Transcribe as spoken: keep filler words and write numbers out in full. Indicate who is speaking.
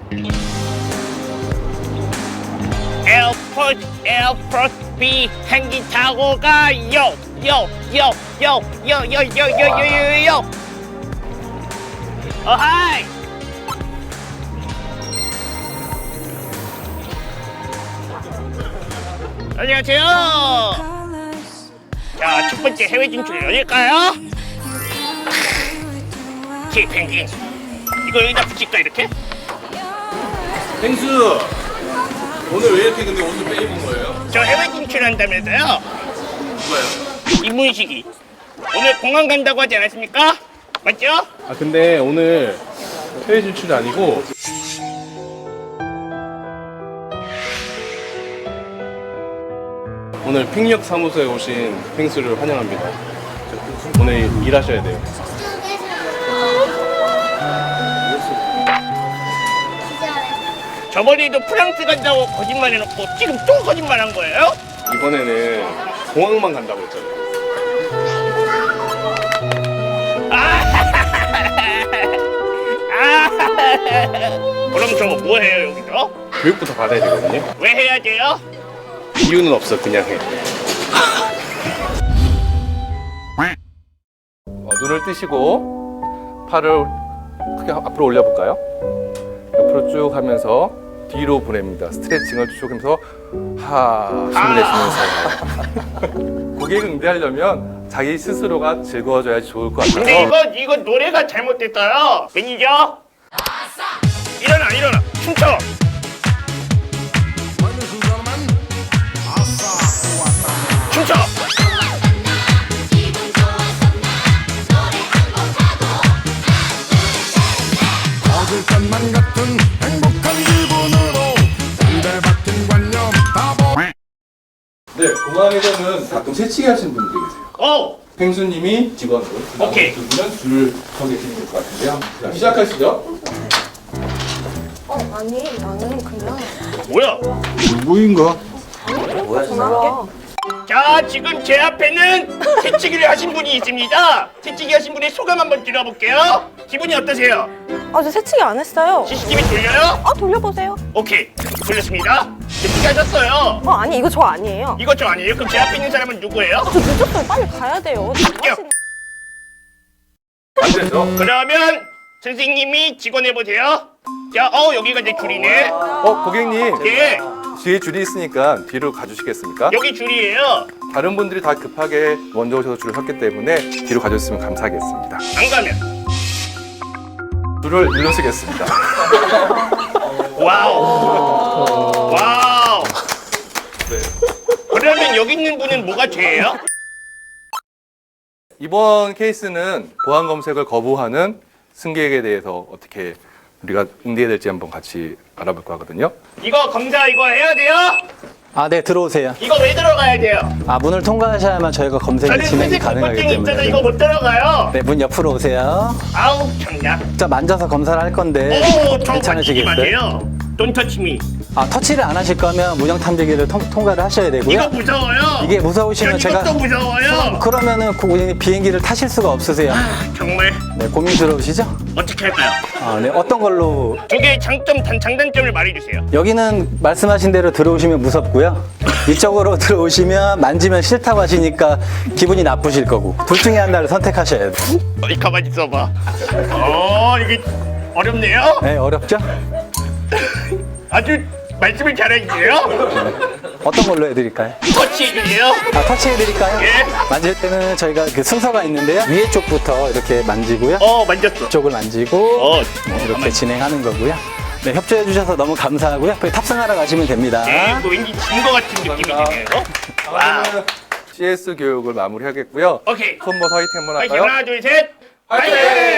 Speaker 1: 에어포트 에어포트 비행기 타고 가요 요요요요요요요요요요 어하이 안녕하세요. 자, 첫 번째 해외 진출 열릴까요? 키 펭귄 이거 여기다 붙일까 이렇게?
Speaker 2: 펭수 오늘 왜 이렇게 근데 옷을 빼입은 거예요?
Speaker 1: 저 해외 진출한다면서요?
Speaker 2: 누가요?
Speaker 1: 이문식이 오늘 공항 간다고 하지 않았습니까? 맞죠?
Speaker 2: 아 근데 오늘 해외 진출이 아니고 오늘 핑력 사무소에 오신 펭수를 환영합니다. 오늘 일하셔야 돼요.
Speaker 1: 저번에도 프랑스 간다고 거짓말 해놓고 지금 또 거짓말 한 거예요?
Speaker 2: 이번에는 공항만 간다고 했잖아요.
Speaker 1: 아, 그럼 저 뭐 해요 여기서?
Speaker 2: 교육부터 받아야 되거든요.
Speaker 1: 왜 해야 돼요?
Speaker 2: 이유는 없어, 그냥 해. 어, 눈을 뜨시고 팔을 크게 앞으로 올려볼까요? 옆으로 쭉 하면서 뒤로 보냅니다. 스트레칭을 쭉 하면서 하 숨을 내쉬면서 고객을 응대하려면 자기 스스로가 즐거워져야지 좋을 것 같아서
Speaker 1: 근데 이거 이거 노래가 잘못됐어요. 매니저 일어나 일어나 춤춰. 춤춰.
Speaker 3: 얻을 것만 같은 행복한 기분으로 상대받은 관념 다 버.
Speaker 2: 네, 공항에서는 가끔 새치기 하시는 분들이 계세요.
Speaker 1: 오
Speaker 2: 펭수님이 직원으로
Speaker 1: 오케이.
Speaker 2: 두 분은 줄을 서 계시면 될 것 같은데요. 자, 시작하시죠.
Speaker 4: 어, 아니, 나는 그냥
Speaker 1: 뭐야?
Speaker 3: 누구인가?
Speaker 4: 전화할게.
Speaker 1: 자 지금 제 앞에는 새치기를 하신 분이 있습니다. 새치기 하신 분의 소감 한번 들어볼게요. 기분이 어떠세요?
Speaker 4: 아, 저 새치기 안 했어요.
Speaker 1: 씨씨티비 돌려요?
Speaker 4: 아, 돌려보세요.
Speaker 1: 오케이 돌렸습니다. 새치기 하셨어요.
Speaker 4: 어, 아니, 이거 저 아니에요.
Speaker 1: 이거 저 아니에요? 그럼 제 앞에 있는 사람은 누구예요?
Speaker 4: 저 늦었어요. 빨리 가야 돼요.
Speaker 1: 갈게요.
Speaker 2: 안 되죠?
Speaker 1: 그러면 선생님이 직원해보세요. 자, 어 여기가 제 줄이네.
Speaker 2: 어, 고객님.
Speaker 1: 예,
Speaker 2: 뒤에 줄이 있으니까 뒤로 가주시겠습니까?
Speaker 1: 여기 줄이에요.
Speaker 2: 다른 분들이 다 급하게 먼저 오셔서 줄을 섰기 때문에 뒤로 가주셨으면 감사하겠습니다.
Speaker 1: 안 가면
Speaker 2: 줄을 일러쓰겠습니다.
Speaker 1: 와우. 와우.
Speaker 2: 네.
Speaker 1: 그러면 여기 있는 분은 뭐가 죄예요?
Speaker 2: 이번 케이스는 보안 검색을 거부하는 승객에 대해서 어떻게 우리가 응대해야 될지 한번 같이 알아볼 거거든요.
Speaker 1: 이거 검사 이거 해야 돼요?
Speaker 5: 아, 네, 들어오세요.
Speaker 1: 이거 왜 들어가야 돼요?
Speaker 5: 아, 문을 통과하셔야만 저희가 검색이
Speaker 1: 저는
Speaker 5: 진행이
Speaker 1: 회색
Speaker 5: 가능하기
Speaker 1: 껍데기 있잖아.
Speaker 5: 때문에.
Speaker 1: 이거 못 들어가요.
Speaker 5: 네, 문 옆으로 오세요.
Speaker 1: 아우 참나.
Speaker 5: 자, 만져서 검사를 할 건데
Speaker 1: 오, 저 만지지
Speaker 5: 괜찮으시겠어요?
Speaker 1: 마세요. Don't touch me.
Speaker 5: 아, 터치를 안 하실 거면 문형 탐지기를 통, 통과를 하셔야 되고요.
Speaker 1: 이거 무서워요.
Speaker 5: 이게 무서우시면
Speaker 1: 전
Speaker 5: 제가
Speaker 1: 이것도 무서워요.
Speaker 5: 그러면은 고객님 비행기를 타실 수가 없으세요.
Speaker 1: 정말
Speaker 5: 네, 고민스러우시죠?
Speaker 1: 어떻게 할까요?
Speaker 5: 아, 네, 어떤 걸로?
Speaker 1: 두 개의 장점, 단, 장단점을 말해주세요.
Speaker 5: 여기는 말씀하신 대로 들어오시면 무섭고요. 이쪽으로 들어오시면 만지면 싫다고 하시니까 기분이 나쁘실 거고. 둘 중에 하나를 선택하셔야 돼요.
Speaker 1: 어, 가만히 있어봐. 어, 이게 어렵네요.
Speaker 5: 네, 어렵죠?
Speaker 1: 아주 말씀을 잘해주세요.
Speaker 5: 어떤 걸로 해드릴까요?
Speaker 1: 터치해주세요.
Speaker 5: 아, 터치해드릴까요?
Speaker 1: 예.
Speaker 5: 만질 때는 저희가 그 순서가 있는데요. 위에 쪽부터 이렇게 만지고요.
Speaker 1: 어, 만졌어.
Speaker 5: 쪽을 만지고
Speaker 1: 어,
Speaker 5: 네, 이렇게 진행하는 거고요. 네, 협조해 주셔서 너무 감사하고요. 거기 탑승하러 가시면 됩니다.
Speaker 1: 네, 이거 왠지 진 거 같은 느낌이 드네요. 와우.
Speaker 2: 씨에스 교육을 마무리하겠고요.
Speaker 1: 오케이.
Speaker 2: 손모서 화이팅 한번
Speaker 1: 다시
Speaker 2: 할까요?
Speaker 1: 하나, 둘, 셋.
Speaker 2: 화이팅!
Speaker 1: 화이팅!